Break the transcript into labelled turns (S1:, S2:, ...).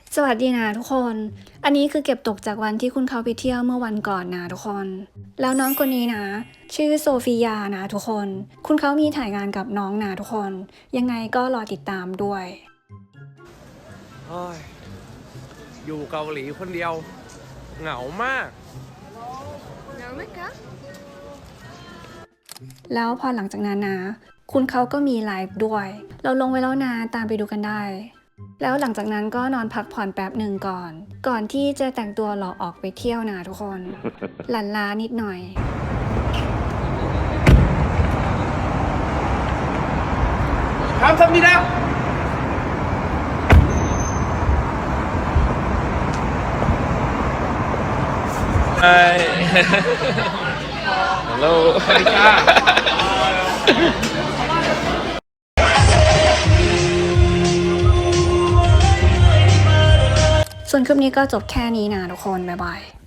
S1: สวัสดีนะทุกคน อันนี้คือเก็บตกจากวันที่คุณเขาไปเที่ยวเมื่อวันก่อนนะทุกคน แล้วน้องคนนี้นะ ชื่อโซฟียานะทุกคน คุณเขามีถ่ายงานกับน้องนะทุกคน ยังไงก็รอติดตามด้วย
S2: โอ้ยอยู่เกาหลีคนเดียว เหงามาก
S1: แล้วพอหลังจากนั้นนะ คุณเขาก็มีไลฟ์ด้วย เราลงไว้แล้วนะตามไปดูกันได้ แล้วหลังจากนั้นก็นอนพักผ่อนแป๊บหนึ่งก่อนที่จะแต่งตัวหล่อออกไปเที่ยวนะทุกคน หลั่นล้านิดหน่อย
S2: 감사합니다.
S3: Hi. Hello.
S1: ส่วนคลิปนี้ก็จบแค่นี้นะทุกคน บ๊ายบาย